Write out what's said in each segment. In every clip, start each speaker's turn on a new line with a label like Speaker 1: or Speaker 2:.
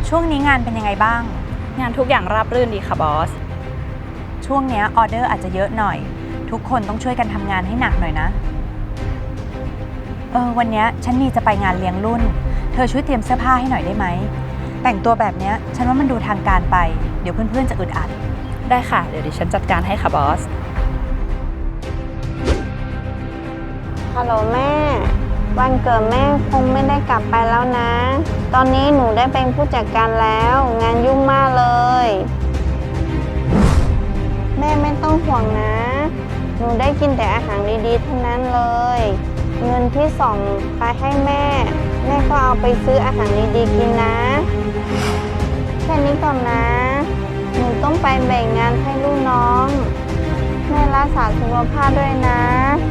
Speaker 1: ช่วงนี้งานเป็นยังไงบ้าง
Speaker 2: งานทุกอย่างราบรื่นดีค่ะบอส
Speaker 1: ช่วงนี้ออเดอร์อาจจะเยอะหน่อยทุกคนต้องช่วยกันทำงานให้หนักหน่อยนะวันนี้ฉันมีจะไปงานเลี้ยงรุ่นเธอช่วยเตรียมเสื้อผ้าให้หน่อยได้ไหมแต่งตัวแบบนี้ฉันว่ามันดูทางการไปเดี๋ยวเพื่อนๆจะอึดอัด
Speaker 2: ได้ค่ะเดี๋ยวดิฉันจัดการให้ค่ะบอส
Speaker 3: ฮัลโหลแม่วันเกิดแม่คงไม่ได้กลับไปแล้วนะตอนนี้หนูได้เป็นผู้จัดการแล้วงานยุ่งมากเลยแม่ไม่ต้องห่วงนะหนูได้กินแต่อาหารดีๆทั้งนั้นเลยเงินที่ส่งไปให้แม่ก็เอาไปซื้ออาหารดีๆกินนะแค่นี้ก่อนนะหนูต้องไปแบ่งงานให้ลูกน้องแม่รักษาสุขภาพด้วยนะ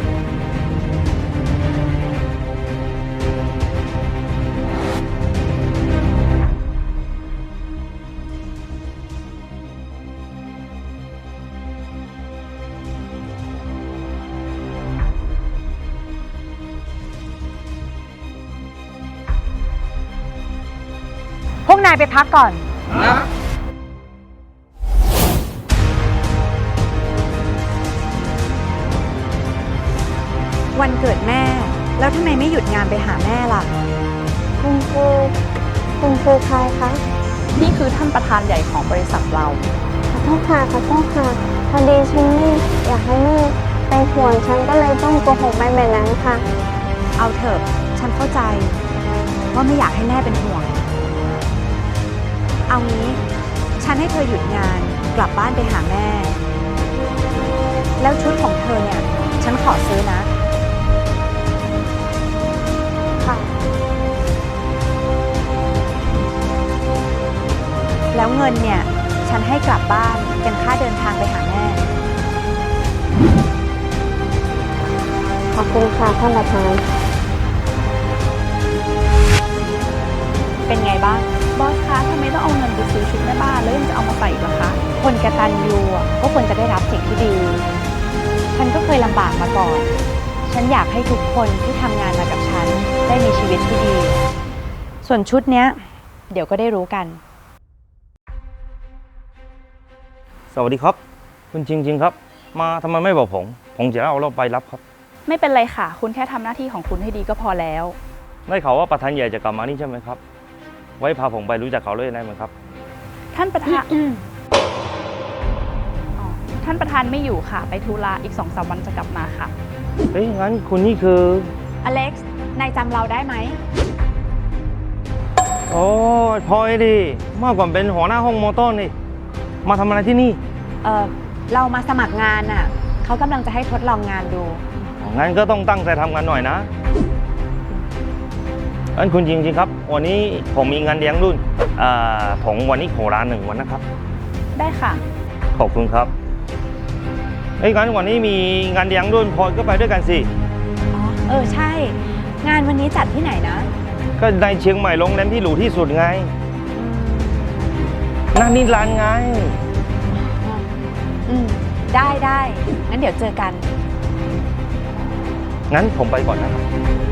Speaker 1: พวกนายไปพักก่อนวันเกิดแม่แล้วทำไมไม่หยุดงานไปหาแม่ล่ะ
Speaker 3: คุณคือใครคะ
Speaker 2: นี่คือท่านประธานใหญ่ของบริษัทเรา
Speaker 3: ขอโทษค่ะพอดีฉันไม่อยากให้แม่เป็นห่วงฉันก็เลยต้องโกหกไปแบบนั้นค่ะ
Speaker 1: เอาเถอะฉันเข้าใจว่าไม่อยากให้แม่เป็นห่วงเอางี้ฉันให้เธอหยุดงานกลับบ้านไปหาแม่แล้วชุดของเธอเนี่ยฉันขอซื้อนะ
Speaker 3: ค่ะ
Speaker 1: แล้วเงินเนี่ยฉันให้กลับบ้านเป็นค่าเดินทางไปหาแม่
Speaker 3: ขอบคุณค่ะท่านประธาน
Speaker 1: เป็นไงบ้าง
Speaker 2: บอสคะทำไมต้องเอาเงินไปซื้อชุดแม่บ้านแล้วยังจะเอามาใส่อีกล่ะคะ
Speaker 1: คนกตัญญูก็ควรจะได้รับสิ่งที่ดีฉันก็เคยลำบากมาก่อนฉันอยากให้ทุกคนที่ทำงานมากับฉันได้มีชีวิตที่ดีส่วนชุดเนี้ยเดี๋ยวก็ได้รู้กัน
Speaker 4: สวัสดีครับคุณจริงครับมาทำไมไม่บอกผมจะเอาเราไปรับครับ
Speaker 2: ไม่เป็นไรค่ะคุณแค่ทำหน้าที่ของคุณให้ดีก็พอแล้ว
Speaker 4: ได้ข่าวว่าประธานใหญ่จะกลับมานี่ใช่ไหมครับไว้พาผมไปรู้จักเขาเลยได้ไหมครับ
Speaker 2: ท่านประธานท่านประธานไม่อยู่ค่ะไปธุระอีก 2-3 วันจะกลับมาค่ะ
Speaker 4: เฮ้ยงั้นคุณนี่คือ
Speaker 1: อเล็กซ์นายจำเราได้ไหม
Speaker 4: โอ้พลอยดิเมื่อก่อนเป็นหัวหน้าห้องมอเตอร์นี่มาทำอะไรที่นี่
Speaker 1: เรามาสมัครงานน่ะเขากำลังจะให้ทดลองงานดู
Speaker 4: งั้นก็ต้องตั้งใจทำงานหน่อยนะงั้นคุณจริงครับวันนี้ผมมีงานเลี้ยงรุ่นผมวันนี้ขอลา1 วันนะครับ
Speaker 2: ได้ค่ะ
Speaker 4: ขอบคุณครับงั้นวันนี้มีงานเลี้ยงรุ่นพลอยก็ไปด้วยกันสิ
Speaker 1: ใช่งานวันนี้จัดที่ไหนนะ
Speaker 4: ก็ในเชียงใหม่โรงแรมที่หรูที่สุดไงนั่นนี่ร้านไง
Speaker 1: ได้งั้นเดี๋ยวเจอกัน
Speaker 4: งั้นผมไปก่อนนะครับ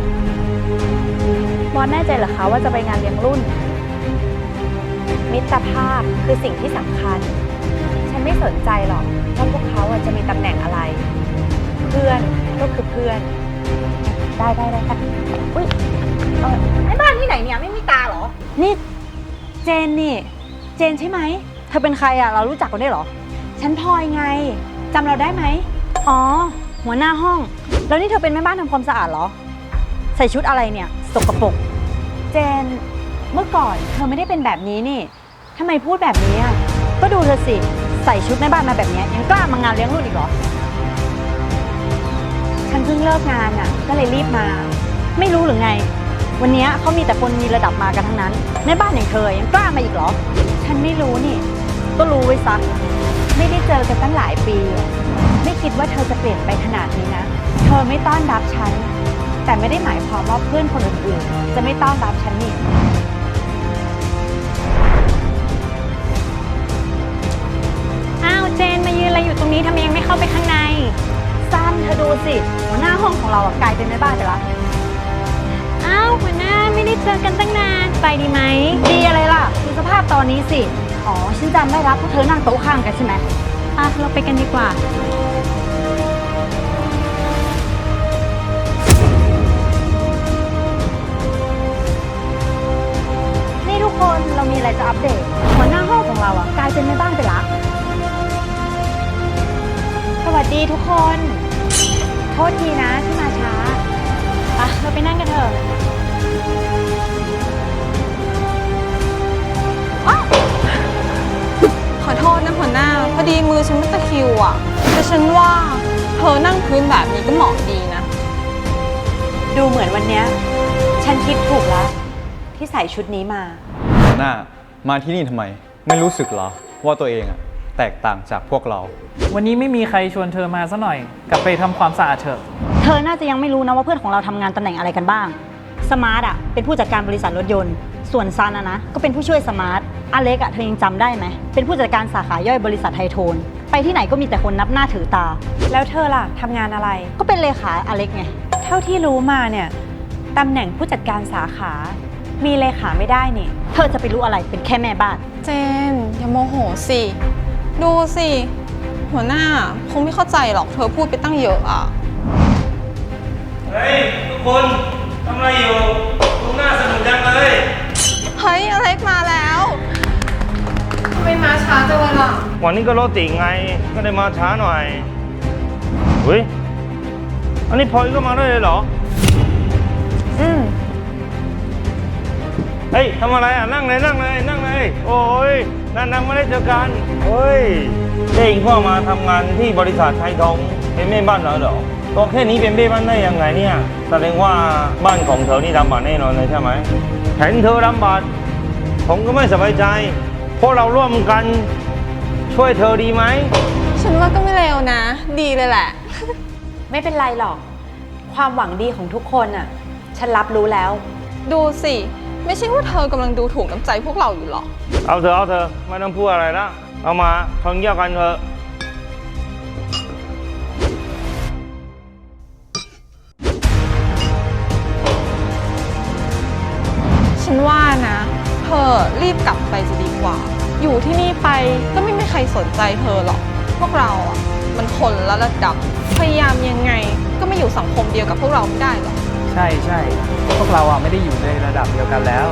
Speaker 2: บอสแน่ใจเหรอคะว่าจะไปงานเลี้ยงรุ่น
Speaker 1: มิตรภาพคือสิ่งที่สำคัญฉันไม่สนใจหรอกว่าพวกเขาจะมีตำแหน่งอะไรเพื่อนก็คือเพื่อนได้
Speaker 2: อุ้ยไอ้บ้านที่ไหนเนี่ยไม่มีตาเหรอ
Speaker 1: นี่เจนใช่ไหมเธอเป็นใครอ่ะเรารู้จักกันได้เหรอฉันพลอยไงจำเราได้ไหมอ๋อหัวหน้าห้องแล้วนี่เธอเป็นแม่บ้านทำความสะอาดเหรอใส่ชุดอะไรเนี่ยสกปรกเจนเมื่อก่อนเธอไม่ได้เป็นแบบนี้นี่ทำไมพูดแบบนี้อ่ะก็ดูเธอสิใส่ชุดแม่บ้านมาแบบนี้ยังกล้ามางานเลี้ยงรุ่นอีกเหรอฉันเพิ่งเลิกงานอ่ะก็เลยรีบมาไม่รู้หรือไงวันนี้เขามีแต่คนมีระดับมากันทั้งนั้นแม่บ้านอย่างเธอยังกล้ามาอีกเหรอฉันไม่รู้นี่ก็รู้ไว้ซะไม่ได้เจอกันตั้งหลายปีไม่คิดว่าเธอจะเปลี่ยนไปขนาดนี้นะเธอไม่ต้อนรับฉันแต่ไม่ได้หมายความว่าเพื่อนคนอื่นๆจะไม่ต้อนรับฉันนี่อ้าวเจนมายืนอะไรอยู่ตรงนี้ทำไมยังไม่เข้าไปข้างในซันเธอดูสิหัวหน้าห้องของเรากลายเป็นแม่บ้านไปแล้วอ้าวหัวหน้าไม่ได้
Speaker 2: เจอกันตั้งนาน ไปดีไหม
Speaker 1: ดีอะไรล่ะดูสภาพตอนนี้สิ อ๋อ ฉันจำได้รับพวกเธอนั่งโต๊ะข้างกันใช่ไหม
Speaker 2: เราไปกันดีกว่า
Speaker 1: นี่ทุกคนเรามีอะไรจะอัปเดต หัวหน้าห้องของเรากลายเป็นแม่บ้านไปละ
Speaker 2: สวัสดีทุกคน โทษทีนะที่มาช้าเราไปนั่งกันเถอะ
Speaker 5: ขอโทษนะหัวหน้า พอดีมือฉันไม่ตะคริวอ่ะ แต่ฉันว่าเธอนั่งพื้นแบบนี้ก็เหมาะดีนะ
Speaker 1: ดูเหมือนวันเนี้ยฉันคิดถูกแล้ว ที่ใส่ชุดนี้มา
Speaker 6: หัวหน้ามาที่นี่ทำไม ไม่รู้สึกเหรอ ว่าตัวเองอะแตกต่างจากพวกเรา
Speaker 7: วันนี้ไม่มีใครชวนเธอมาซะหน่อย กลับไปทำความสะอาดเถอะ
Speaker 1: เธอน่าจะยังไม่รู้นะว่าเพื่อนของเราทำงานตำแหน่งอะไรกันบ้าง สมาร์ทเป็นผู้จัดการบริษัทรถยนต์ ส่วนซันนะก็เป็นผู้ช่วยสมาร์ทอเล็กเธอยังจำได้ไหม เป็นผู้จัดการสาขาย่อยบริษัทไทโทน ไปที่ไหนก็มีแต่คนนับหน้าถือตา
Speaker 2: แล้วเธอล่ะทำงานอะไร
Speaker 1: ก็เป็นเลขาอเล็กไง
Speaker 2: เท่าที่รู้มาเนี่ยตำแหน่งผู้จัดการสาขา มีเลขาไม่ได้นี่
Speaker 1: เธอจะไปรู้อะไรเป็นแค่แม่บ้าน
Speaker 5: เจน อย่าโมโหสิ ดูสิ หัวหน้าคงไม่เข้าใจหรอกเธอพูดไปตั้งเยอะอ่ะ
Speaker 4: เฮ้ย ทุกคนทำอะไรอยู่ดูหน้าสนุกจังเลย
Speaker 5: เฮ้ยอเล็กมาแล้วทำไมมาช้าจังเลยล่ะ
Speaker 4: วันนี้ก็รถติดไง ก็ได้มาช้าหน่อยเฮ้ย อันนี้พลอยก็มาด้วยเลยเหรอ เฮ้ยทำอะไรอ่ะ นั่งเลยนั่งเลยนั่งเลย โอ้ยนานๆไม่ได้เจอกันเฮ้ยเองพ่อมาทำงานที่บริษัทไทยทองเป็นแม่บ้านเหรอตัวแค่นี้เป็นแม่บ้านได้ยังไงเนี่ยแสดงว่าบ้านของเธอนี่ลำบากแน่นอนเลยใช่ไหมเห็นเธอลำบากผมก็ไม่สบายใจพวกเราร่วมกันช่วยเธอดีไหม
Speaker 5: ฉันว่าก็ไม่เลวนะ ดีเลยแหละ
Speaker 2: ไม่เป็นไรหรอก ความหวังดีของทุกคนอ่ะ ฉันรับรู้แล้ว
Speaker 5: ดูสิ ไม่ใช่ว่าเธอกำลังดูถูกน้ำใจพวกเราอยู่หรอก
Speaker 4: เอาเธอไม่ต้องพูดอะไรแล้วเอามาทนเยี่ยวกันเถอะ
Speaker 5: ฉันว่านะ เธอรีบกลับไปจะดีกว่า อยู่ที่นี่ไปก็ไม่มีใครสนใจเธอหรอก พวกเราอ่ะมันคนละระดับ พยายามยังไงก็ไม่อยู่สังคมเดียวกับพวกเราไม่ได้หรอก
Speaker 7: ใช่ใช่พวกเราไม่ได้อยู่ในระดับเดียวกันแล้ว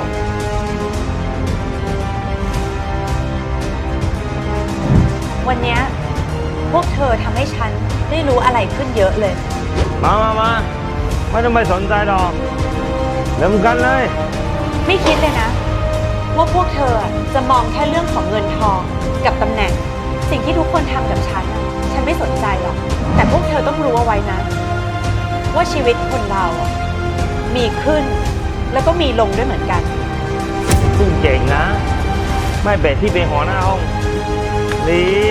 Speaker 2: วันเนี้ยพวกเธอทำให้ฉันได้รู้อะไรขึ้นเยอะเลย
Speaker 4: มาไม่ต้องไปสนใจหรอกเริ่มกันเลย
Speaker 2: ไม่คิดเลยนะว่าพวกเธอจะมองแค่เรื่องของเงินทองกับตำแหน่ง สิ่งที่ทุกคนทำกับฉันฉันไม่สนใจหรอก แต่พวกเธอต้องรู้เอาไว้นะ ว่าชีวิตคนเรามีขึ้นแล้วก็มีลงด้วยเหมือนกัน
Speaker 4: ซึ่งเก่งนะ ไม่เบ็ดที่เป็นหัวหน้าห้องดี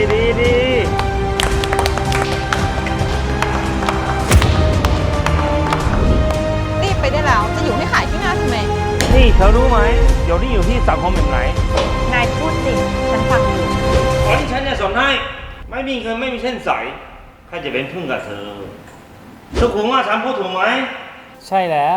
Speaker 5: รีบไปได้แล้ว จะอยู่ให้ขายที่หน้าทำไม
Speaker 4: นี่เธอรู้ไหมเดี๋ยวนี้อยู่ที่สังคมแบบไหน
Speaker 2: นายพูดจริงฉันฟังอยู่
Speaker 4: ตอนที่ฉันจะสอนให้ไม่มีเงินไม่มีเส้นสายใครจะเป็นพึ่งกับเธอทุกคนว่าฉันพูดถูกไหม
Speaker 7: ใช่แล้ว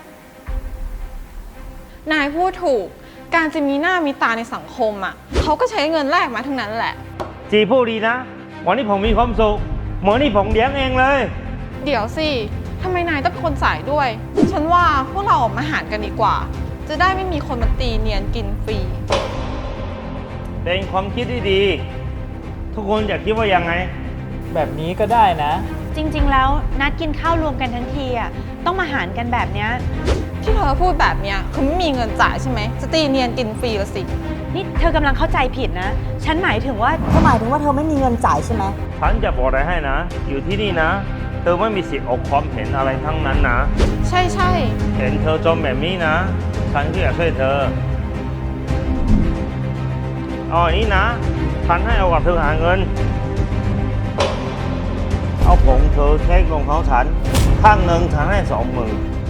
Speaker 5: นายพูดถูก การจะมีหน้ามีตาในสังคมอ่ะเขาก็ใช้เงินแลกมาทั้งนั้นแหละ
Speaker 4: จีพูดดีนะ วันนี้ผมมีความสุขเหมือนนี่ผมเลี้ยงเองเลย
Speaker 5: เดี๋ยวสิทำไมนายต้องเป็นคนสายด้วย ฉันว่าพวกเราออกมาหารกันดีกว่า จะได้ไม่มีคนมาตีเนียนกินฟรี
Speaker 4: เป็นความคิดที่ดี ทุกคนอยากคิดว่ายังไง
Speaker 7: แบบนี้ก็ได้นะ
Speaker 2: จริงๆแล้วนัดกินข้าวรวมกันทั้งทีต้องมาหารกันแบบเนี้ย
Speaker 5: ที่เธอพูดแบบเนี้ยคือไม่มีเงินจ่ายใช่ไหมจะตีเนียนกินฟรีละสิ
Speaker 2: นี่เธอกำลังเข้าใจผิดนะ ฉันหมายถึงว่า
Speaker 1: หมายถึงว่าเธอไม่มีเงินจ่ายใช่ไหม
Speaker 4: ฉันจะบอกอะไรให้นะ อยู่ที่นี่นะ เธอไม่มีสิทธิ์ออกความเห็นอะไรทั้งนั้นนะ
Speaker 5: ใช่ใช่
Speaker 4: เห็นเธอจมแบบนี้นะ ฉันก็อยากช่วยเธอเอาอย่างนี้นะ ฉันให้เอากับเธอหาเงิน เอาผงเธอเช็คลงเขาฉัน ข้างหนึ่งฉันให้20,000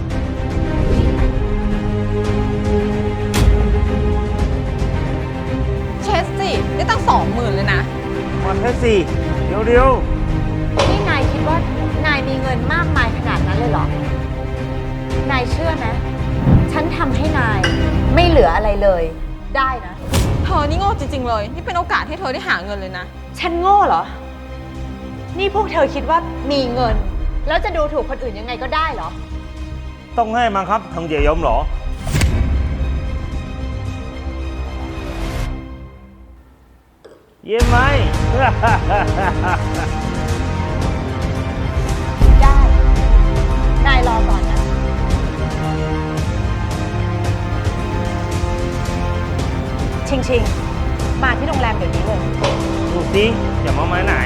Speaker 5: เชสสิได้ตั้ง20,000เลยนะ
Speaker 4: มาแค่สี่เดี๋ยว
Speaker 2: นี่นายคิดว่านายมีเงินมากมายขนาดนั้นเลยเหรอ นายเชื่อไหม
Speaker 1: ฉันทำให้นายไม่เหลืออะไรเลย ได้นะ
Speaker 5: เธอนี่โง่จริงๆเลย นี่เป็นโอกาสให้เธอได้หาเงินเลยนะ
Speaker 2: ฉันโง่เหรอ นี่พวกเธอคิดว่ามีเงิน แล้วจะดูถูกคนอื่นยังไงก็ได้เหรอ
Speaker 4: ต้องให้มันครับทางเจียยมเหรอ เยี่ยมไหม
Speaker 2: ได้ นายรอก่อนนะ ชิง มาที่โรงแรมเดี๋ยวนี้เลย
Speaker 4: ดูสิอย่ามาไม้ไหน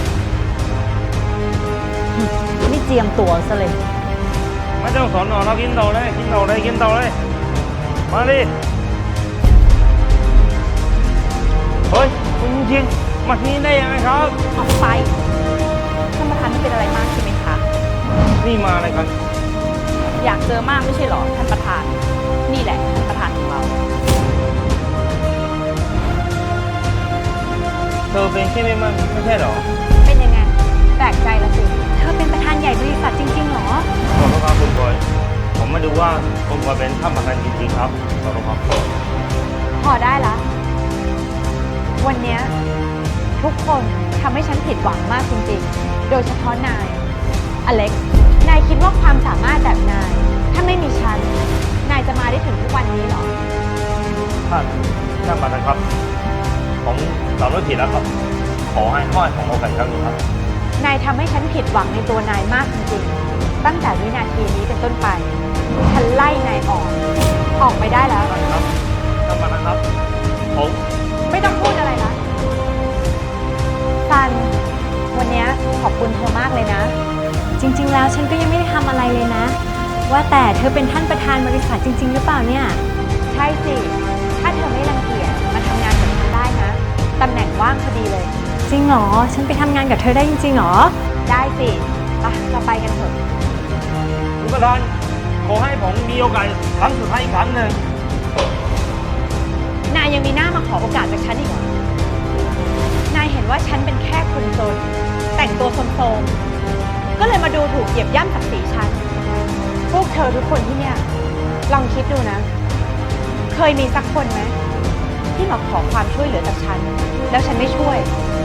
Speaker 1: ไม่เจียมตัวซะเลย
Speaker 4: ไม่ต้องสอนหนอเรากินต่อเลย กินต่อเลย กินต่อเลย มาดิ เฮ้ย คุณจริงมาที่นี่ได้ยังไงครับ
Speaker 1: ออกไปท่านประธานไม่เป็นอะไรมากใช่ไหมคะ
Speaker 4: นี่มาอะไรกัน
Speaker 1: อยากเจอมากไม่ใช่หรอท่านประธาน นี่แหละท่านประธานของเรา
Speaker 4: เธอเป็นแค่แม่บ้านไม่ใช่เหรอ
Speaker 2: เป็นยังไง แปลกใจละสิ
Speaker 1: เธอเป็นประธานใหญ่บริษัทจริงๆหรอ
Speaker 4: ขอโทษครับคุณบอย ผมมาดูว่าคุณบอยเป็นท่านประธานจริงๆครับ ขอโทษครับ
Speaker 2: พอได้ละ วันเนี้ยทุกคนทำให้ฉันผิดหวังมากจริงๆ โดยเฉพาะนาย อเล็กซ์ นายคิดว่าความสามารถแบบนาย ถ้าไม่มีฉัน นายจะมาได้ถึงทุกวันนี้เหรอ
Speaker 4: ท่านประธานครับ ผมสำนึกผิดแล้วครับ ขอให้ผมโอกาสอีกครั้งหนึงครับ
Speaker 2: นายทำให้ฉันผิดหวังในตัวนายมากจริงๆ ตั้งแต่วินาทีนี้เป็นต้นไป ฉันไล่นายออกไปได้แล้ว
Speaker 4: ท่านครับ ท่านประธานครับ ผม
Speaker 2: ไม่ต้องพูดอะไรละซัน วันเนี้ยขอบคุณเธอมากเลยนะ
Speaker 1: จริงๆ แล้วฉันก็ยังไม่ได้ทำอะไรเลยนะ ว่าแต่เธอเป็นท่านประธานบริษัทจริง ๆ หรือเปล่าเนี่ย
Speaker 2: ใช่สิ ถ้าเธอไม่รังเกียจมาทำงานกับฉันได้นะ ตำแหน่งว่างพอดีเลย
Speaker 1: จริงเหรอ ฉันไปทำงานกับเธอได้จริงๆเหรอ
Speaker 2: ได้สิไปเราไปกันเถอะ
Speaker 4: คุณประธาน ขอให้ผมมีโอกาสครั้งสุดท้ายอีกครั้งหนึ่ง
Speaker 2: นายยังมีหน้ามาขอโอกาสจากฉันอีกเหรอ นายเห็นว่าฉันเป็นแค่คนจน แต่งตัวโทรมๆก็เลยมาดูถูกเหยียบย่ำศักดิ์ศรีฉัน พวกเธอทุกคนที่เนี่ย ลองคิดดูนะ เคยมีสักคนไหมที่มาขอความช่วยเหลือจากฉัน แล้วฉันไม่ช่วย